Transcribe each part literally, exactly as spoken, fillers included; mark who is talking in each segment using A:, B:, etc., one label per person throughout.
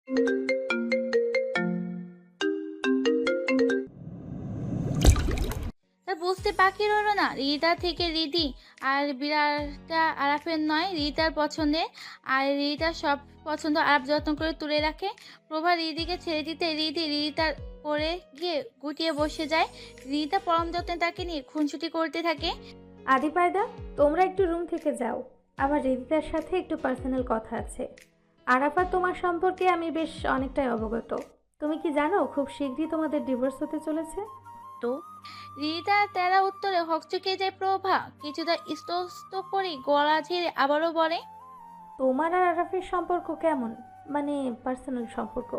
A: তা বুঝতে বাকি রইল না রিতা থেকে রিদি আর বিড়ালটা আরাফের নয় রিতার পছন্দের। আর রিতার সব পছন্দ আরাফ যত্ন করে তুলে রাখে। প্রভা রিদিকে ছেড়ে দিতে রিদি রিতার করে গিয়ে গুটিয়ে বসে যায়। রিতা পরম যত্নে তাকে নিয়ে খুনসুটি করতে থাকে।
B: আদি পায়দা, তোমরা একটু রুম থেকে যাও, আমার রিদিতার সাথে একটু পার্সোনাল কথা আছে। আরাফা, তোমার সম্পর্কে আমি বেশ অনেকটাই অবগত। তুমি কি জানো খুব শীঘ্রই তোমাদের ডিভোর্স হতে চলেছে?
C: তো
A: রিতা তেরা উত্তরে হকচকিয়ে যায় প্রভা কিছুটা স্তস্ত করে গলা ঝেড়ে আবারও বলে,
B: তোমার আর আরাফের সম্পর্ক কেমন, মানে পার্সোনাল সম্পর্ক?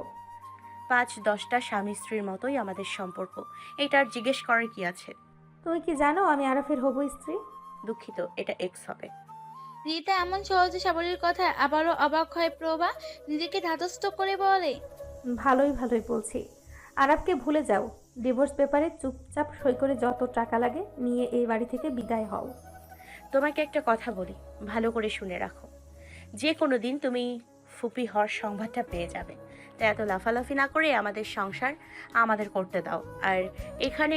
C: পাঁচ দশটা স্বামী স্ত্রীর মতোই আমাদের সম্পর্ক, এটার জিজ্ঞেস করার কি আছে?
B: তুমি কি জানো আমি আরাফের হবু স্ত্রী?
C: দুঃখিত, এটা এক্স হবে।
A: রিতা এমন সহজে সাবলীর কথা আবারও অবাক হয় প্রভা নিজেকে ধাতস্থ করে বলে,
B: ভালোই ভালোই বলছি। আরাফকে ভুলে যাও, ডিভোর্স পেপারে চুপচাপ সই করে যত টাকা লাগে নিয়ে এই বাড়ি থেকে বিদায় হও।
C: তোমাকে একটা কথা বলি, ভালো করে শুনে রাখো। যে কোনো দিন তুমি ফুপি হওয়ার সংবাদটা পেয়ে যাবে, তাই এত লাফালাফি না করে আমাদের সংসার আমাদের করতে দাও। আর এখানে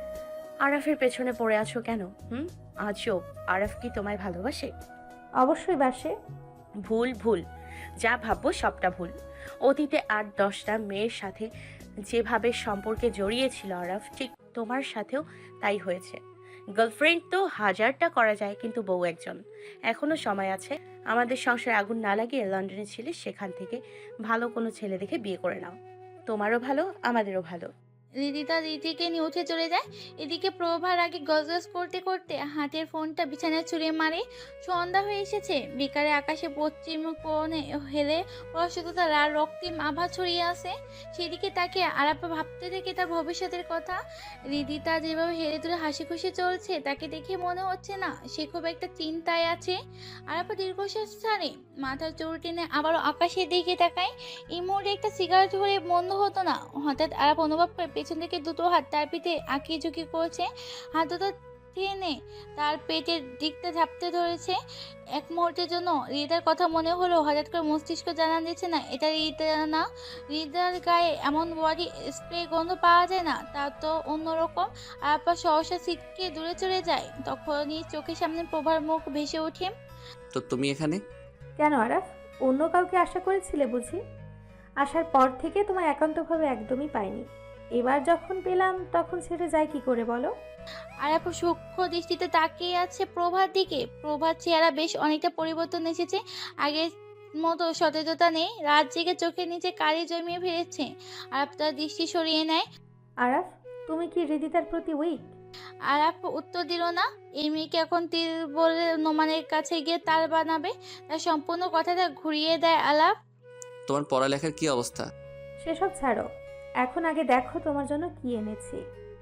C: আরাফের পেছনে পড়ে আছো কেন? হুম, আজও আরাফ কি তোমায় ভালোবাসে?
B: অবশ্যই বাসে।
C: ভুল ভুল, যা ভাববো সবটা ভুল। অতীতে আট দশটা মেয়ের সাথে যেভাবে সম্পর্কে জড়িয়েছিল আরাফ, ঠিক তোমার সাথেও তাই হয়েছে। গার্লফ্রেন্ড তো হাজারটা করা যায়, কিন্তু বউ একজন। এখনো সময় আছে। আমাদের সংসারে আগুন না লাগিয়ে লন্ডনে ছিলে, সেখান থেকে ভালো কোনো ছেলে দেখে বিয়ে করে নাও। তোমারও ভালো, আমাদেরও ভালো।
A: রিদিতা রীতিকে নিয়ে উঠে চলে যায়। এদিকে প্রভার আগে গজগজ করতে করতে হাতের ফোনটা বিছানায় ছুঁড়ে মারে। সন্ধ্যা হয়ে এসেছে। বিকালে আকাশে পশ্চিম কোণে হেলে প্রশস্ততা লাল রক্তিম আভা ছড়িয়ে আছে। সেদিকে তাকে আরাপা ভাবতে থেকে তার ভবিষ্যতের কথা। রিদিতা যেভাবে হেলে তুলে হাসি খুশি চলছে তাকে দেখে মনে হচ্ছে না সে খুব একটা চিন্তায় আছে। আরাপা দীর্ঘশ্বাস ছাড়ে, মাথার চুল টেনে আবারও আকাশের দিকে তাকায়। এই মুহূর্তে একটা সিগারেট ধরে বন্ধ হতো না। হঠাৎ আরাপ অনুভব করে পেছন থেকে দুটো হাত তার পিঠে আঁকিয়ে ঝুঁকি করছে। হাত দুটো টেনে তার পেটের দিকটা ঝাপতে ধরেছে। এক মুহূর্তের জন্য হৃদার কথা মনে হলো, হঠাৎ করে মস্তিষ্ক জানা দিচ্ছে না এটা হৃদা না। হৃদার গায়ে এমন বডি স্প্রে গন্ধ পাওয়া যায় না, তা তো অন্যরকম। আরাপা সহসা ছিটকে দূরে চলে যায়। তখনই চোখের সামনে প্রভার মুখ ভেসে ওঠে।
D: তো তুমি এখানে?
B: কেন আরাফ, অন্য কাউকে আশা করেছিলে বুঝি? আসার পর থেকে তোমায় একান্তভাবে একদমই পাইনি। এবার যখন পেলাম তখন ছেড়ে যায় কি করে বলো?
A: আরাপা সূক্ষ্ম দৃষ্টিতে তাকিয়ে আছে প্রভার দিকে। প্রভার চেহারা বেশ অনেকটা পরিবর্তন এসেছে। আগের মতো সতেজতা নেই, রাত জেগে চোখের নিচে কালি জমিয়ে ফেলেছে। আরাপ তার দৃষ্টি সরিয়ে নেয়।
B: আরাফ, তুমি কি হৃদিতার প্রতি উইক?
A: আরাপ উত্তর দিল না। এই মেয়েকে এখন তীর বলে নোমানের কাছে গিয়ে তাল বানাবে। তার সম্পূর্ণ কথাটা ঘুরিয়ে দেয় আলাপ।
D: তোমার পড়ালেখার কি অবস্থা?
B: সেসব ছাড়ো, এখন আগে দেখো তোমার জন্য কি এনেছি।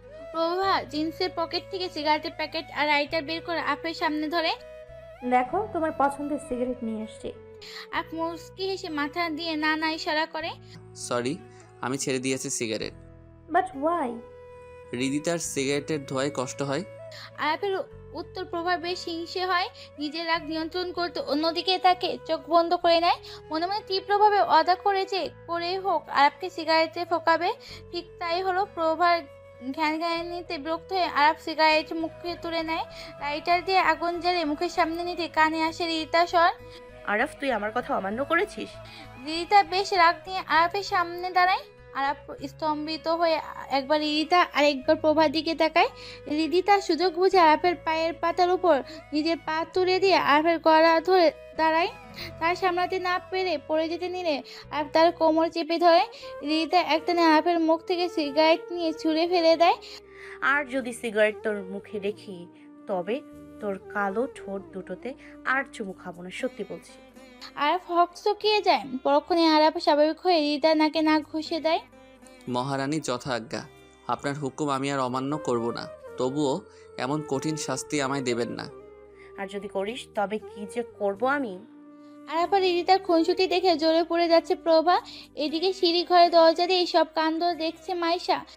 A: প্রভা জিন্সের পকেট থেকে সিগারেটের প্যাকেট আর লাইটার বের করে আপের সামনে ধরে।
B: দেখো তোমার পছন্দের সিগারেট নিয়ে এসছি।
A: আপ মুস্কি হেসে মাথা দিয়ে না না ইশারা করে।
D: সরি, আমি ছেড়ে দিয়েছি সিগারেট।
B: But why?
D: হৃদিতার সিগারেটের ধোঁয়ায় কষ্ট হয়।
A: আয়াপের উত্তর প্রভাব বেশ হিংসে হয়। নিজের রাগ নিয়ন্ত্রণ করতে অন্যদিকে তাকে চোখ বন্ধ করে নেয়। মনে মনে তীব্রভাবে অদা করেছে করে হোক আরাপকে সিগারেটে ফোকাবে। ঠিক তাই হলো। প্রভার ঘ্যান ঘ্যানিতে বিরক্ত হয়ে আরাপ সিগারেট মুখে তুলে নেয়। লাইটার দিয়ে আগুন জ্বালিয়ে মুখের সামনে নিতে কানে আসে রিতা স্বর।
C: আরাফ, তুই আমার কথা অমান্য করেছিস?
A: রিতা বেশ রাগ নিয়ে আরাপের সামনে দাঁড়ায়। আরাপ স্তম্ভিত হয়ে একবার রিদিতা আর একবার প্রভার দিকে তাকায়। রিদিতা সুযোগ বুঝে আরাপের পায়ের পাতার উপর নিজের পা তুলে দিয়ে আরাপের গলা ধরে দাঁড়ায়। তার সামলাতে না পেরে পড়ে যেতে নিলে আরাপ তার কোমর চেপে ধরে। রিদিতা একটানে আরাপের মুখ থেকে সিগারেট নিয়ে ছুঁড়ে ফেলে দেয়।
C: আর যদি সিগারেট তোর মুখে দেখি, তবে তোর কালো ঠোঁট দুটোতে আর চুমু খাবো না, সত্যি বলছি।
A: আরাপ হকচকিয়ে যায়। পরক্ষণে আরাপ স্বাভাবিক হয়ে রিদিতার নাকে নাক ঘষে দেয়।
D: মহারানী যথা আজ্ঞা, আপনার হুকুম আমি আর অমান্য করব না। তবুও এমন কঠিন শাস্তি আমায় দেবেন না।
C: আর যদি করিস তবে কি যে করব আমি।
A: আরাপা রিদিতার খুনসুটি দেখে জ্বলে পড়ে যাচ্ছে প্রভা। এদিকে সিঁড়ি ঘরে দরজা দিয়ে সব কাণ্ড দেখছে মাইশা।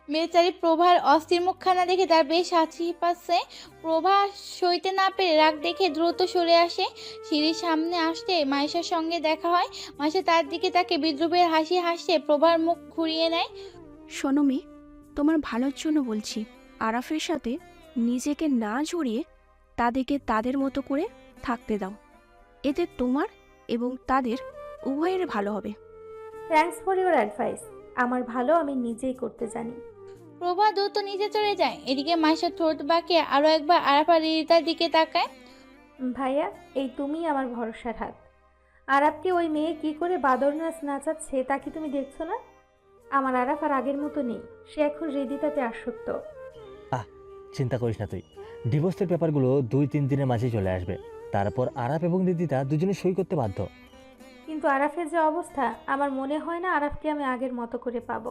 A: বেচারি প্রভার অস্থির মুখখানা দেখে তার বেশ হাসি পাচ্ছে। প্রভা সইতে না পেরে রাগ দেখে দ্রুত সরে আসে। সিঁড়ির সামনে আসতে মাইশার সঙ্গে দেখা হয়। মাইশা তার দিকে তাকে বিদ্রুপের হাসি হাসছে প্রভার মুখ ঘুরিয়ে নেয়।
E: শোনো মেয়ে, তোমার ভালোর জন্য বলছি, আরাফের সাথে নিজেকে না জড়িয়ে তাদেরকে তাদের মতো করে থাকতে দাও। এতে তোমার এবং তাদের উভয়ের ভালো হবে।
B: Thanks for your advice. আমার ভালো আমি নিজেই করতে জানি।
A: প্রভা দ্রুত নিচে চলে যায়। এদিকে মাইশা ঠোঁট বাঁকিয়ে আরো একবার আরাফা রিদিতার দিকে তাকায়।
B: ভাইয়া, এই তুমি আমার ভরসার হাত। আরাফকে ওই মেয়ে কি করে বাদর নাচ নাচাচ্ছে তা কি তুমি দেখছো না? আমার আরাফ আর আগের মতো নেই, সে এখন হৃদিতাতে আসক্ত।
F: আহ চিন্তা করিস না তুই, ডিভোর্সের পেপারগুলো দুই তিন দিনের মাঝেই চলে আসবে। তারপর আরাফ এবং রিদিতা দুজনে সই করতে বাধ্য।
B: কিন্তু আরাফের যে অবস্থা, আমার মনে হয় না আরাফকে আমি আগের মতো করে পাবো।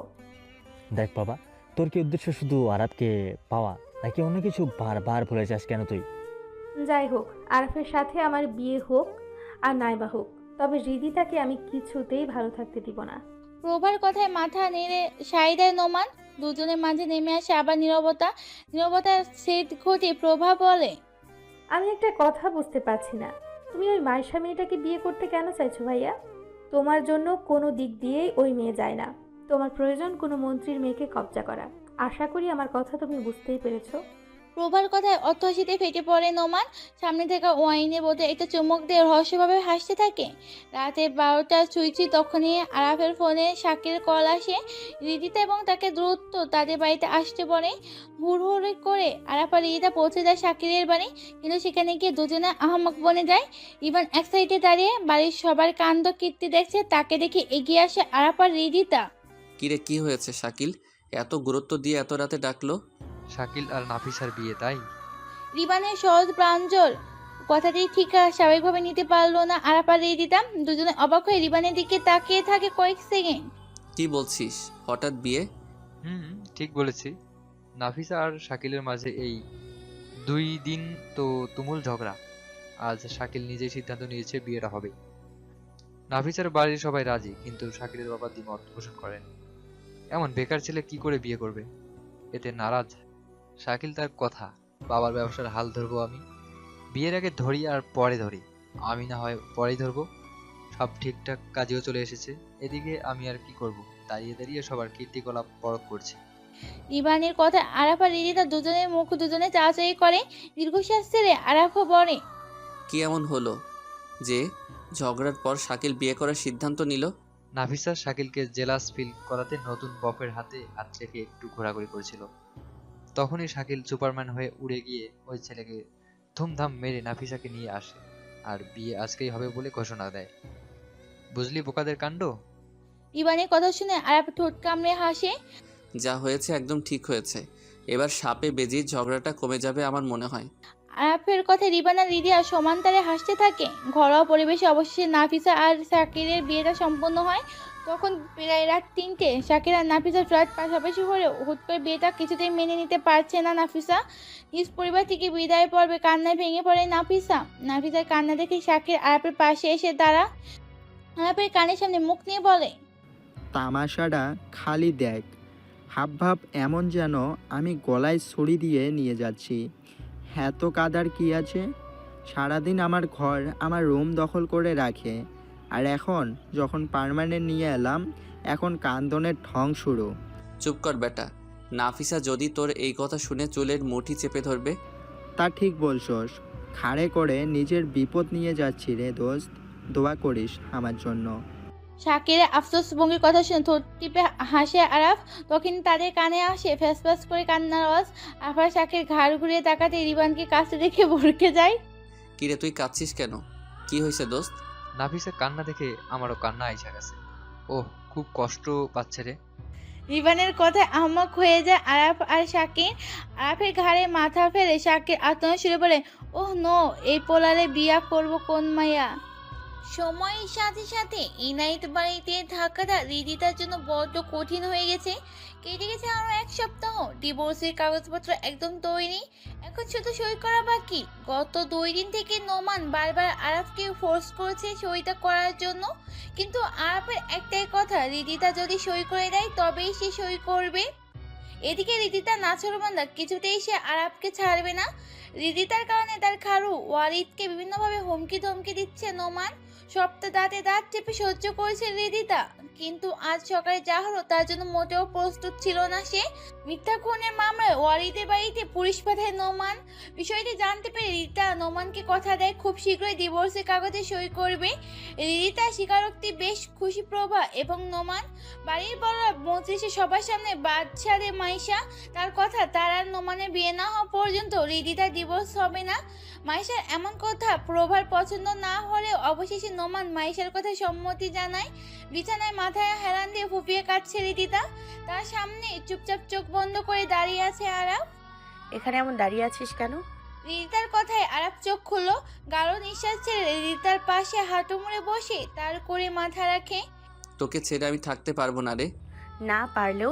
F: দেখ বাবা, তোর কি উদ্দেশ্য শুধু আরাফকে পাওয়া নাকি অন্য কিছু? বারবার ভুলে যাস কেন তুই?
B: যাই হোক, আরাফের সাথে আমার বিয়ে হোক আর নাইবা হোক, তবে হৃদিতাকে আমি কিছুতেই ভালো থাকতে দিব না।
A: প্রভার কথায় মাথা নেড়ে সায় দেয় নোমান। দুজনের মাঝে নেমে আসে আবার নীরবতা। নীরবতার সেট ঘটিয়ে প্রভা বলে,
B: আমি একটা কথা বুঝতে পারছি না, তুমি ওই মাইশা মেয়েটাকে বিয়ে করতে কেন চাইছো ভাইয়া? তোমার জন্য কোনো দিক দিয়েই ওই মেয়ে যায় না। তোমার প্রয়োজন কোনো মন্ত্রীর মেয়েকে কবজা করা। আশা করি আমার কথা তুমি বুঝতেই পেরেছো।
A: প্রভার কথায় অট্টহাসিতে ফেটে পড়ে নোমান। সামনে থেকে ওয়াইনের বোতলে একটা চুমুক দিয়ে রহস্যভাবে হাসতে থাকে। রাতে বারোটা ছুঁইছি তখনই আরাফের ফোনে শাকির কল আসে। রিদিতা এবং তাকে দ্রুত তাদের বাড়িতে আসতে বলে। হুড়হুড়ি করে আরাফ আর রিদিতা পৌঁছে যায় শাকিরের বাড়ি। কিন্তু সেখানে গিয়ে দুজনে আহমক বনে যায়। ইভান এক সাইডে দাঁড়িয়ে বাড়ির সবার কাণ্ড কীর্তি দেখছে। তাকে দেখে এগিয়ে আসে আরাফ আর রিদিতা।
D: কিরে কি হয়েছে শাকিল, এত গুরুত্ব দিয়ে এত রাতে ডাকলো?
G: শাকিল আর নাফিসার বিয়ে, তাই?
A: রিবানের সহজ প্রাঞ্জল কথাটি ঠিক স্বাভাবিকভাবে নিতে পারলো না আরাফ আর রিদিতা। দুজনে অবাক হয়ে রিবানের দিকে তাকিয়ে থাকে কয়েক সেকেন্ড।
D: কি বলছিস, হঠাৎ বিয়ে?
G: হুম, ঠিক বলেছি। নাফিসা আর শাকিলের মাঝে এই দুই দিন তো তুমুল ঝগড়া। আজ শাকিল নিজেই সিদ্ধান্ত নিয়েছে বিয়েটা হবে। নাফিসার বাড়ির সবাই রাজি, কিন্তু শাকিলের বাবা দ্বিমত পোষণ করেন। এমন বেকার ছেলে কি করে বিয়ে করবে, এতে নারাজ শাকিল। তার কথা, বাবার ব্যবসার হাল ধরবো আমি, বিয়ের আগে ধরি আর পরে ধরি, আমি না হয় পরেই ধরবো। সব ঠিকঠাক কাজেও চলে এসেছে। এদিকে আমি আর কি করব, দাঁড়িয়ে দাঁড়িয়ে সবার কীর্তিকলাপ পরখ করছি।
A: রিবানের কথা আরাফ আর রিদিতা দুজনের মুখ দুজনে চাচাই করে। দীর্ঘশ্বাস ছেড়ে আরাফও বলে,
D: কি এমন হলো যে ঝগড়ার পর শাকিল বিয়ে করার সিদ্ধান্ত নিল?
G: নাফিসা শাকিলকে জেলাস ফিল করাতে নতুন বফের হাতে হাত রেখে একটু ঘোরাঘুরি করছিল। তখনই শাকিল সুপারম্যান হয়ে উড়ে গিয়ে ওই ছেলেকে ধুমধাম মেরে নাফিসাকে নিয়ে আসে আর বিয়ে আজকেই হবে বলে ঘোষণা দেয়। বুঝলি বোকাদের কাণ্ড?
A: রিবানের কথা শুনে আরাফ ঠোঁট কামড়ে হাসে।
D: যা হয়েছে একদম ঠিক হয়েছে, এবার সাপে বেজি ঝগড়াটা কমে যাবে আমার মনে হয়।
A: আরাফের কথায় রিবান আর রিদিয়া সমান তালে হাসতে থাকে। ঘরোয়া পরিবেশে অবশেষে নাফিসা আর শাকিরের বিয়েটা সম্পন্ন হয়। তখন প্রায় রাত তিনটে। শাকির আর নাফিসার ফ্ল্যাট পাশাপাশি হলেও হুট করে বিয়েটা কিছুতেই মেনে নিতে পারছে না নাফিসা। নিজ পরিবার থেকে বিদায় পর্বে কান্নায় ভেঙে পড়ে নাফিসা। নাফিসার কান্না দেখে শাকির আরাফের পাশে এসে দাঁড়া। আরাফের কানের সামনে মুখ নিয়ে বলে,
H: তামাশাটা খালি দেখ, হাবভাব এমন যেন আমি গলায় ছড়ি দিয়ে নিয়ে যাচ্ছি। এত কাদার কি আছে? সারাদিন আমার ঘর আমার রুম দখল করে রাখে, আর এখন যখন পার্মানেন্ট নিয়ে এলাম এখন কান্দনের ঢং শুরু।
D: চুপ কর বেটা, নাফিসা যদি তোর এই কথা শুনে চুলের মুঠি চেপে ধরবে।
H: তা ঠিক বলছস, খাড়ে করে নিজের বিপদ নিয়ে যাচ্ছি রে দোস্ত, দোয়া করিস আমার জন্য।
A: শাকিরের আফসোস ভঙ্গির কথা শুনে ঠোঁট টিপে হাসে আরাফ। তখন তাদের কানে আসে ফ্যাস ফ্যাস করে কান্নার আওয়াজ। আফার শাকির ঘাড় ঘুরিয়ে তাকাতে রিবানকে কাছে দেখে ভরকে যায়।
D: কিরে তুই কাঁদছিস কেন, কি হয়েছে দোস্ত?
G: নাফিসার কান্না দেখে আমারও কান্না আইসা গেছে। ওহ, খুব কষ্ট পাচ্ছে রে।
A: রিবানের কথায় আহমক হয়ে যায় আরাফ আর শাকির। আরাফের ঘাড়ে মাথা ফেলে শাকির আত্মনা শুরু বলে, ওহ নো, এই পোলারে বিয়া করব কোন মাইয়া। সময়ের সাথে সাথে ইনাইত বাড়িতে থাকাটা রিদিতার জন্য বড্ড কঠিন হয়ে গেছে। কেটে গেছে আরো এক সপ্তাহ। ডিভোর্সের কাগজপত্র একদম তৈরি, এখন শুধু সই করা বাকি। গত দুই দিন থেকে নোমান বারবার আরাফকে ফোর্স করেছে সইটা করার জন্য, কিন্তু আরাফের একটাই কথা, রিদিতা যদি সই করে দেয় তবেই সে সই করবে। এদিকে রিদিতা নাছরবান্দা কিছুতেই সে আরাবকে ছাড়বে না। রিদিতার কারণে তার খারু ওয়ারিদকে বিভিন্নভাবে হুমকি ধমকি দিচ্ছে নোমান। সপ্তাহ দাঁতে দাঁত চেপে সহ্য করেছে রিদিতা, কিন্তু আজ সকালে যা হলো তার জন্য মোটেও প্রস্তুত ছিল না সে। মিথ্যা খুনের মামলায় ওয়ারিদের বাড়িতে পুলিশ পাঠায় নোমান। বিষয়টি জানতে পেরে রিদিতা নোমানকে কথা দেয় খুব শীঘ্রই ডিভোর্সের কাগজে সই করবে। রিদিতার স্বীকারোক্তি বেশ খুশি প্রভা এবং নোমান। বাড়ির বড়রা মজলিসে সবার সামনে বাদ ছাড়ে মাইশা। তার কথা তার আর নোমানের বিয়ে না হওয়া পর্যন্ত রিদিতার ডিভোর্স হবে না। মাইশার এমন কথা প্রভার পছন্দ না হলেও অবশেষে নোমান মাইশার কথা সম্মতি জানায়। বিছানায় মাথায় হেলান দিয়ে ফুপিয়ে কাটছে রিদিতা। তার সামনে চুপচাপ চোখ বন্ধ করে দাঁড়িয়ে আছে আরাফ।
C: এখানে এমন দাঁড়িয়ে আছিস কেন?
A: রিদিতার কথায় আরাফ চোখ খুললো। গাঢ় নিঃশ্বাস ছেড়ে রিদিতার পাশে হাঁটু মুড়ে বসে তার করে মাথা রাখে।
D: তোকে ছেড়ে আমি থাকতে পারবো না রে।
C: না পারলেও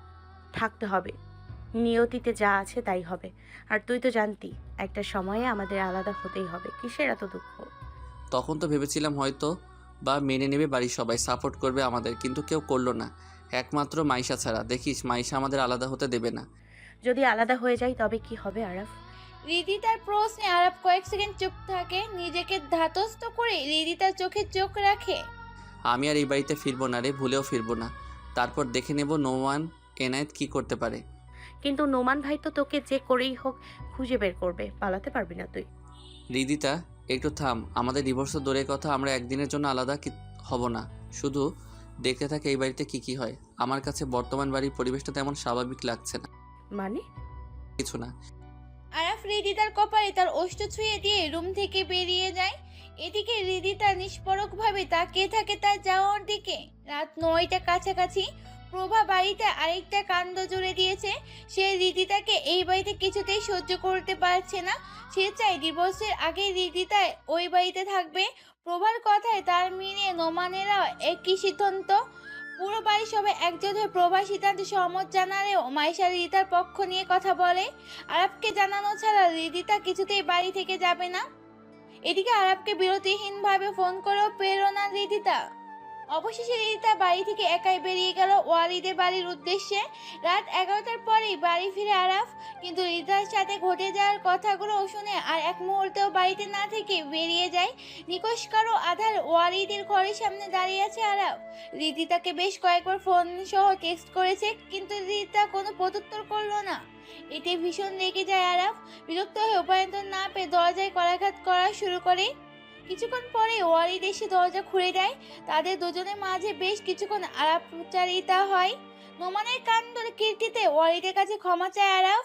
C: থাকতে হবে, নিয়তিতে যা আছে তাই হবে। আর তুই তো জানতি একটা সময়ে আমাদের আলাদা হতেই হবে, কিসের এত দুঃখ?
D: তখন তো ভেবেছিলাম হয়তো বা মেনে নেবে বাড়ির সবাই, সাপোর্ট করবে আমাদের, কিন্তু কেউ করলো না, একমাত্র মাইশা ছাড়া। দেখিস মাইশা আমাদের আলাদা হতে দেবে না।
C: যদি আলাদা হয়ে যাই তবে কি হবে আরাফ?
A: রিদিতার প্রশ্নে আরাফ কয়েক সেকেন্ড চুপ থাকে। নিজেকে ধাতস্থ করে রিদিতার চোখে চোখ রাখে।
D: আমি আর এই বাড়িতে ফিরবো না রে, ভুলেও ফিরবো না। তারপর দেখে নেব নোমান এনায়েত কি করতে পারে।
C: কিন্তু নোমান ভাই তো তোকে যে করেই হোক খুঁজে বের করবে, পালাতে পারবি না তুই।
D: রিদিতা একটু থাম, আমাদের ডিভোর্স তো দূরের কথা, আমরা একদিনের জন্য আলাদা কি হব না। শুধু দেখতে থাকে এই বাড়িতে কি কি হয়। আমার কাছে বর্তমান বাড়ির পরিবেশটা তেমন স্বাভাবিক লাগছে না।
C: মানে?
D: কিছু না।
A: আরাফ রিদিতার কপালে তার ওষ্ঠ ছুঁয়ে দিয়ে রুম থেকে বেরিয়ে যায়। এদিকে রিদিতা নিষ্পরকভাবে তাকিয়ে থাকে তার যাওয়ার দিকে। রাত নয়টা কাছাকাছি। প্রভা বাড়িতে আরেকটা কাণ্ড জুড়ে দিয়েছে। সে রিদিতাকে এই বাড়িতে কিছুতেই সহ্য করতে পারছে না। সে চায় ডিভোর্সের আগে রিদিতা ওই বাড়িতে থাকবে। প্রভার কথায় তার মিলিয়ে নোমানেরা একই সিদ্ধান্ত। পুরো বাড়ির সবাই একজোট হয়ে প্রভার সিদ্ধান্তে সহমত জানালেও মাইশা রিদিতার পক্ষ নিয়ে কথা বলে। আরাফকে জানানো ছাড়া রিদিতা কিছুতেই বাড়ি থেকে যাবে না। এদিকে আরাফকে বিরতিহীনভাবে ফোন করেও পেল না রিদিতা। অবশেষে রিদিতা বাড়ি থেকে একাই বেরিয়ে গেল ওয়ারিদের বাড়ির উদ্দেশ্যে। রাত এগারোটার পরেই বাড়ি ফিরে আরাফ, কিন্তু রিদিতার সাথে ঘটে যাওয়ার কথাগুলো শুনে আর এক মুহূর্তেও বাড়িতে না থেকে বেরিয়ে যায়। নিকশ কারো আধার ওয়ারিদের ঘরের সামনে দাঁড়িয়ে আছে আরাফ। রিদিতাকে বেশ কয়েকবার ফোন সহ টেক্সট করেছে, কিন্তু রিদিতা কোনো প্রত্যুত্তর করলো না। এতে ভীষণ রেগে যায় আরাফ। বিরক্ত হয়ে উপায়ন্তর না পেয়ে দরজায় করাঘাত করা শুরু করে। কিছুক্ষণ পরে ওয়ারিদ এসে দরজা খুলে দেয়। তাদের দুজনের মাঝে বেশ কিছুক্ষণ আলাপচারিতা হয়। নোমানের কাণ্ডের কীর্তিতে ওয়ারিদের কাছে ক্ষমা চায় আরাফ।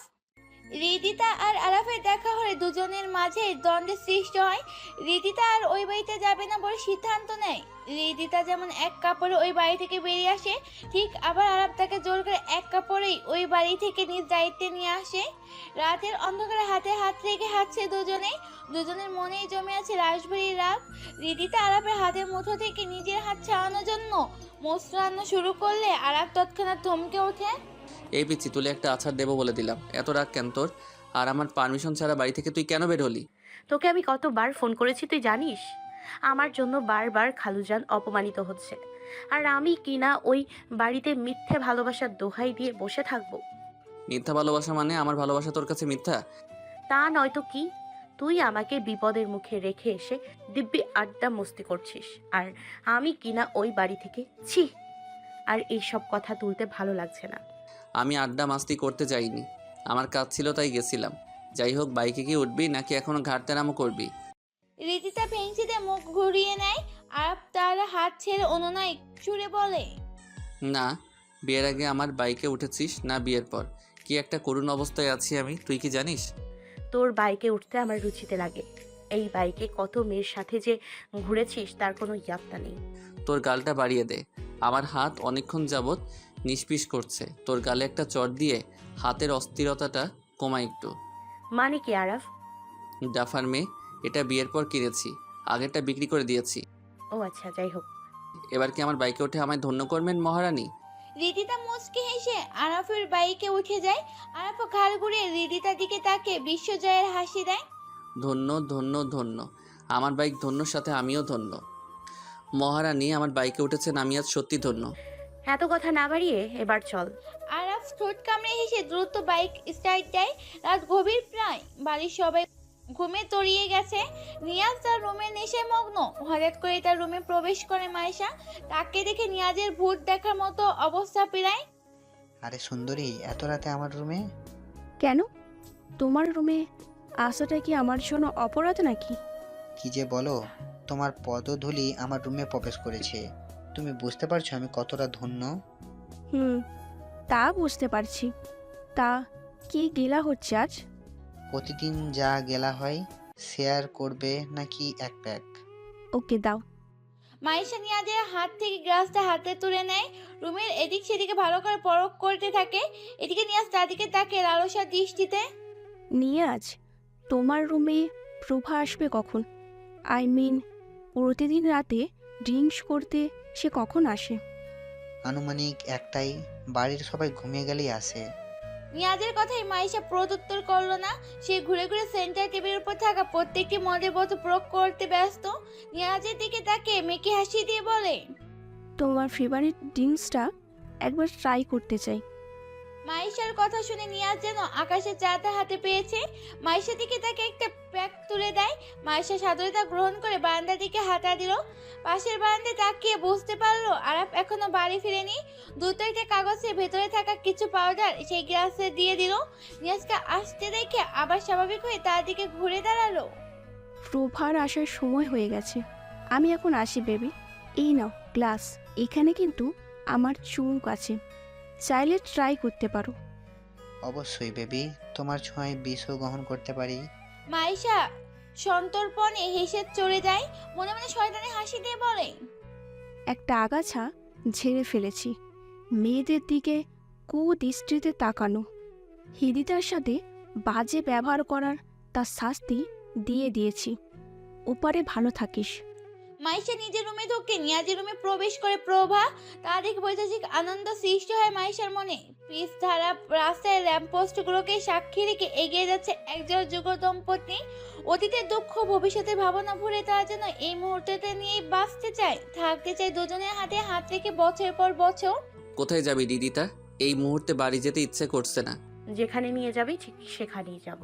A: রিদিতা আর আরাফের দেখা হলে দুজনের মাঝে দ্বন্দ্বের সৃষ্টি হয়। রিদিতা আর ওই বাড়িতে যাবে না বলে সিদ্ধান্ত নেয়। রিদিতা যেমন এক কাপড়ে ওই বাড়ি থেকে বেরিয়ে আসে, ঠিক আবার আরাফ তাকে জোর করে এক কাপড়েই ওই বাড়ি থেকে নিজ দায়িত্বে নিয়ে আসে। রাতের অন্ধকারে হাতে হাত রেখে হাঁটছে দুজনে। দুজনের মনেই জমে আছে রাশভারী রাগ। রিদিতা আরাফের হাতের মুঠো থেকে নিজের হাত ছাড়ানোর জন্য মোচড়ানো শুরু করলে আরাফ তৎক্ষণাৎ থমকে ওঠে।
D: এই পিচ্ছি, তুলে একটা আছাড় দেবো বলে দিলাম। এত রাগ কেন তোর? আর আমার পারমিশন ছাড়া বাড়ি থেকে তুই কেন বের হলি?
C: তোকে আমি কতবার ফোন করেছি তুই জানিস? আমার জন্য বারবার খালুজান অপমানিত হচ্ছে, আর আমি কিনা ওই বাড়িতে মিথ্যে ভালোবাসার দোহাই দিয়ে বসে থাকবো?
D: মিথ্যা ভালোবাসা মানে আমার ভালোবাসা তোর কাছে মিথ্যা?
C: তা নয়তো কি? তুই আমাকে বিপদের মুখে রেখে এসে দিব্যি আড্ডা মস্তি করছিস, আর আমি কিনা ওই বাড়ি থেকে ছি। আর এইসব কথা তুলতে ভালো লাগছে না।
D: আমি আড্ডা মাস্তি করতে যাইনি, আমার কাজ ছিল তাই গেছিলাম। যাই হোক, বাইকে কি উঠবি নাকি এখনো ঘাটতে নামও করবি?
A: রিদিতা ভেঙচিতে মুখ ঘুরিয়ে নেয়। আরাফ তার হাত ছেড়ে অনুনয় সুরে বলে,
D: না, বিয়ের আগে আমার বাইকে উঠেছিস না বিয়ের পর? কি একটা করুণ অবস্থায় আছি আমি, তুই কি জানিস?
C: তোর বাইকে উঠতে আমার রুচিতে লাগে। এই বাইকে কত মেয়ের সাথে যে ঘুরেছিস তার কোনো ইয়াত্তা নেই।
D: তোর গালটা বাড়িয়ে দে, আমার হাত অনেকক্ষণ যাবৎ নিষ্পিস করছে। তোর গালে একটা চট দিয়ে হাতের অস্থিরতাটা কমা একটু।
C: মানে কি আরাফ?
D: ডাফার মেয়ে, এটা বিয়ের পর কিনেছি, আগেরটা বিক্রি করে দিয়েছি।
C: ও আচ্ছা, যাই হোক।
D: এবার কি আমার বাইকে উঠে আমায় ধন্য করবেন মহারানী?
A: রিদিতা মুচকি হেসে আরাফের বাইকে উঠে যায়। আরাফ ঘাড় ঘুরিয়ে রিদিতার দিকে তাকে বিশ্বজয়ের হাসি দেয়।
D: ধন্য ধন্য ধন্য, আমার বাইক ধন্যর সাথে আমিও ধন্য। মহারানী আমার বাইকে উঠেছেন, আমি আজ সত্যি ধন্য।
C: এত কথা না বাড়িয়ে এবার চল।
A: আরাফ ঠোঁট কামড়ে হেসে দ্রুত বাইক স্টার্ট দেয়। রাত গভীর প্রায়, বাড়ির সবাই ঘুমে তলিয়ে গেছে। নিয়াজ তার রুমে নেশায় মগ্ন। হঠাৎ করে তার রুমে প্রবেশ করে মাইশা। তাকে দেখে নিয়াজের ভূত দেখার মতো অবস্থা পেরায়।
I: আরে সুন্দরী, এত রাতে আমার রুমে?
E: কেন? তোমার রুমে আসাটা কি আমার জন্য অপরাধ নাকি?
I: কি যে বলো, তোমার পদধূলি আমার রুমে প্রবেশ করেছে। তুমি বুঝতে পারছো আমি কতটা ধন্য?
E: হুম, তা বুঝতে পারছি। তা কি গেলা হচ্ছে আজ?
I: প্রতিদিন যা গেলা হয় শেয়ার করবে নাকি এক প্যাক?
E: ওকে দাও।
A: মাইশা নিয়াজের হাত থেকে গ্লাসটা হাতে তুলে নেয়। রুমের এদিক সেদিকে ভালো করে পরখ করতে থাকে। এদিকে নিয়াজ তাদিকে তাকে লালসার দৃষ্টিতে।
E: নিয়াজ, তোমার রুমে প্রভা আসবে কখন? আই মিন, প্রতিদিন রাতে ড্রিঙ্কস করতে সে কখন আসে?
I: আনুমানিক একটাই, বাড়ির সবাই ঘুমিয়ে গেলেই আসে।
A: নিয়াজের কথাই মাইশা প্রত্যুত্তর করলো না। সে ঘুরে ঘুরে সেন্টার টেবিলের উপর থাকা প্রত্যেকটি মদের বোতল প্রয়োগ করতে ব্যস্ত। নিয়াজের দিকে তাকে মেকি হাসি দিয়ে বলে,
E: তোমার ফেভারিট ড্রিঙ্কসটা একবার ট্রাই করতে চাই।
A: মাইশার কথা শুনে নিয়াজ যেন আকাশের চাঁদা হাতে পেয়েছে। মাইশার দিকে তাকে একটা প্যাক তুলে দেয়। মাইশা সাদরতা গ্রহণ করে বারান্দার দিকে হাঁটা দিল। পাশের বারান্দায় তাকিয়ে বুঝতে পারলো আরাপ এখনো বাড়ি ফিরেনি। দুটো একটা কাগজের ভেতরে থাকা কিছু পাউডার সেই গ্লাসে দিয়ে দিল। নিয়াজকে আসতে দেখে আবার স্বাভাবিক হয়ে তার দিকে ঘুরে দাঁড়ালো।
E: প্রভার আসার সময় হয়ে গেছে, আমি এখন আসি বেবি। এই নাও গ্লাস, এখানে কিন্তু আমার চুমুক আছে, চাইলে ট্রাই করতে পারো।
I: অবশ্যই বেবি, তোমার ছোঁয়ায় বিষও গ্রহণ করতে পারি।
A: মাইশা সন্তর্পণে হেসে চলে যায়। মনে মনে শয়তানি হাসি দিয়ে বলে,
E: একটা আগাছা ঝেড়ে ফেলেছি। মেয়েদের দিকে কুদৃষ্টিতে তাকানো, হৃদিতার সাথে বাজে ব্যবহার করার তার শাস্তি দিয়ে দিয়েছি। ওপারে ভালো থাকিস।
A: মাইশা নিজের রুমে ঢুকে নিয়াজের রুমে প্রবেশ করে প্রভা। তা দেখে বৈদেশিক আনন্দ সৃষ্টি হয় মাইশার মনে। পিস ধারা রাস্তায় ল্যাম্পপোস্টগুলোকে সাক্ষী রেখে এগিয়ে যাচ্ছে একজন যুগ দম্পতি। অতীতের দুঃখ ভবিষ্যতের ভাবনা ভুলে তারা যেন এই মুহূর্তটা নিয়েই বাঁচতে চায়, থাকতে চায় দুজনের হাতে হাত রেখে বছর পর বছর।
D: কোথায় যাবি দিদিতা? এই মুহূর্তে বাড়ি যেতে ইচ্ছে করছে না।
C: যেখানে নিয়ে যাবি ঠিক সেখানেই যাব।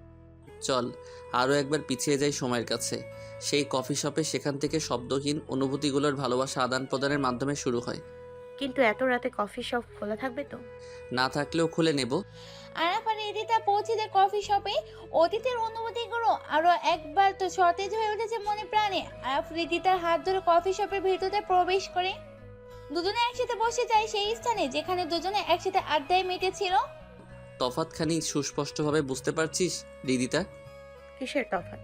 D: চল আরও একবার পিছিয়ে যাই সময়ের কাছে। সেই কফি শপে, সেখান থেকে শব্দহীন অনুভূতিগুলোর ভালোবাসা আদান প্রদানের মাধ্যমে শুরু হয়।
C: কিন্তু এত রাতে কফি শপ খোলা থাকবে তো?
D: না থাকলেও খুলে নেব।
A: আরাফ আর রিদিতা পৌঁছে দেয় কফি শপে। অতীতের অনুভূতিগুলো আরো একবার তো সতেজ হয়ে উঠেছে মনে প্রাণে। আরাফ রিদিতার হাত ধরে কফি শপের ভিতরে প্রবেশ করে। দুজনে একসাথে বসে যায় সেই স্থানে যেখানে দুজনে একসাথে আড্ডায় মেতেছিল।
D: তফাৎখানি সুস্পষ্টভাবে বুঝতে পারছিস দিদিতা?
C: কিসের তফাৎ?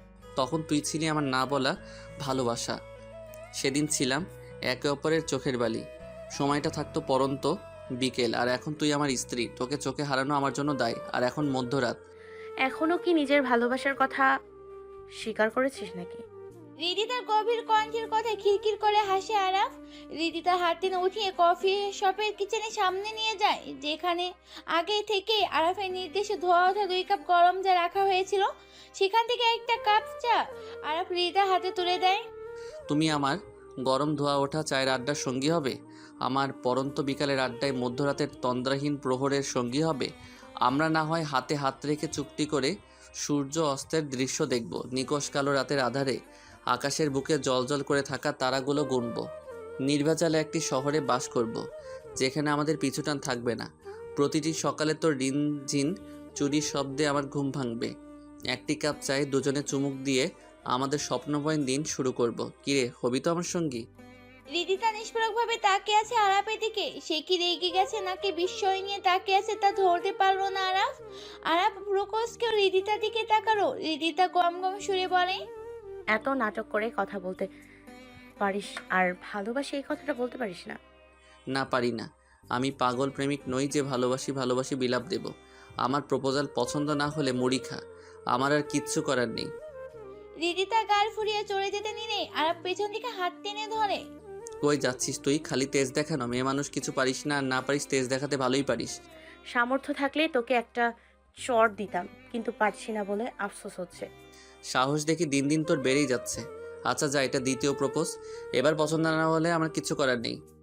D: তখন তুই ছিলি আমার না বলা ভালোবাসা, সেদিন ছিলাম একে অপরের চোখের বালি। সময়টা থাকতো পরন্ত বিকেল, আর এখন তুই আমার স্ত্রী। তোকে চোখে হারানো আমার জন্য দায়। আর এখন মধ্যরাত।
C: এখনো কি নিজের ভালোবাসার কথা স্বীকার করেছিস নাকি?
A: রিদিতার গভীর কণ্ঠের কথায় খিরখির করে হাসে আরাফ। রিদিতার হাত টেনে উঠিয়ে কফি শপের কিচেনের সামনে নিয়ে যায়, যেখানে আগে থেকে আরাফের নির্দেশে ধোয়া ওঠা দুই কাপ গরম চা রাখা হয়েছিল। সেখান থেকে একটা কাপ চা আরাফ রিদিতার হাতে তুলে দেয়।
D: তুমি আমার গরম ধোয়া ওঠা চায়ের আড্ডার সঙ্গী হবে, আমার পরন্ত বিকালের আড্ডায় মধ্যরাতের তন্দ্রাহীন প্রহরের সঙ্গী হবে। আমরা না হয় হাতে হাত রেখে চুক্তি করে সূর্য অস্তের দৃশ্য দেখব, নিকশ কালো রাতের আধারে আকাশের বুকে জলজল করে থাকা তারাগুলো গুনব, নির্ভেজালে একটি শহরে বাস করব, যেখানে আমাদের পিছুটান থাকবে না। প্রতিটি সকালে তোর রিনঝিন চুরির শব্দে আমার ঘুম ভাঙবে। একটি কাপ চায়ে দুজনে চুমুক দিয়ে আমাদের স্বপ্নময় দিন শুরু করব। কিরে, হবি তো আমার সঙ্গী?
A: রিদিতা নিষ্পরকভাবে তাকিয়ে আছে আরাফের দিকে। সে কি রেগে গেছে নাকি বিস্ময় নিয়ে তাকিয়ে আছে তা ধরতে পারলো না আরাফ। আরাফ প্রকোষকেও রিদিতার দিকে তাকালো। রিদিতা গম গম সুরে বলে,
C: এত নাটক করে কথা বলতে পারিস আর ভালোবাসি এই কথাটা বলতে পারিস না?
D: না, পারি না। আমি পাগল প্রেমিক নই যে ভালোবাসি ভালোবাসি বিলাপ দেব। আমার প্রপোজাল পছন্দ না হলে মুড়ি খা, আমার আর কিচ্ছু করার নেই।
A: রিদিতা গাল ফুরিয়ে চলে যেতে নিলে আরাফ পেছন দিকে হাত টেনে ধরে।
D: কই যাচ্ছিস তুই? খালি তেজ দেখানো? মেয়ে মানুষ কিছু পারিস না, আর না পারিস তেজ দেখাতে ভালোই পারিস।
C: সামর্থ্য থাকলে তোকে একটা চর দিতাম, কিন্তু পারছি না বলে আফসোস হচ্ছে।
D: সাহস দেখি দিন দিন তোর বেড়েই যাচ্ছে। আচ্ছা যা, এটা দ্বিতীয় প্রপোজ। এবার পছন্দ না হলে আমার কিচ্ছু করার নেই।
A: আরাফ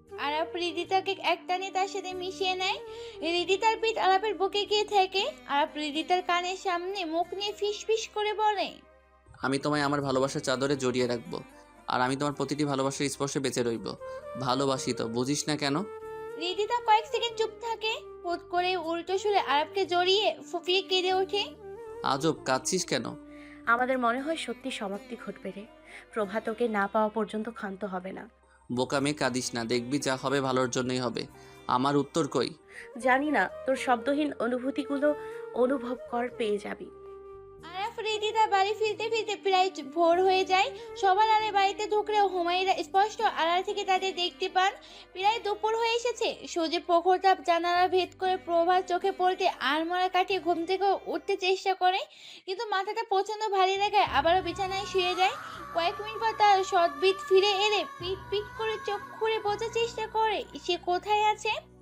A: আরাপ রিদিতাকে একটানে তার সাথে মিশিয়ে নেয়। রিদিতার পিঠ আরাপের বুকে গিয়ে থাকে। আরাপ রিদিতার কানের সামনে মুখ নিয়ে ফিস ফিস করে বলে,
D: আমি তোমায় আমার ভালোবাসার চাদরে জড়িয়ে রাখবো, আর আমি তোমার প্রতিটি ভালোবাসার স্পর্শে বেঁচে রইব। ভালোবাসি তো, বুঝিস না কেন?
A: রিদিতা কয়েক সেকেন্ড চুপ থাকে, হুট করে উল্টো সুরে আরাপকে জড়িয়ে ফুপিয়ে কেঁদে ওঠে।
D: আজব, কাঁদছিস কেন?
C: আমাদের মনে হয় সত্যি সমাপ্তি ঘটবে রে। প্রভা তোকে না পাওয়া পর্যন্ত ক্ষান্ত হবে না।
D: বোকা মেয়ে, কাঁদিস না, দেখবি যা হবে ভালোর জন্যই হবে। আমার উত্তর কই?
C: জানি না, তোর শব্দহীন অনুভূতিগুলো অনুভব কর, পেয়ে যাবি।
A: আরাফ রিদিতা বাড়ি ফিরতে ফিরতে প্রায় ভোর হয়ে যায়। সবার আগে বাড়িতে ঢুকলেও হুমায়রা স্পষ্ট আড়াল থেকে তাদের দেখতে পান। প্রায় দুপুর হয়ে এসেছে। সূর্যের প্রখর তাপ জানালা ভেদ করে প্রভার চোখে পড়তে আড়মোড়া কাটিয়ে ঘুম থেকে উঠতে চেষ্টা করে, কিন্তু মাথাটা প্রচন্ড ভারী দেখায় আবারও বিছানায় শুয়ে যায়। কয়েক মিনিট পর তার সদ্বিত ফিরে এলে পিট পিট করে চোখ খুঁড়ে বোঝার চেষ্টা করে সে কোথায় আছে।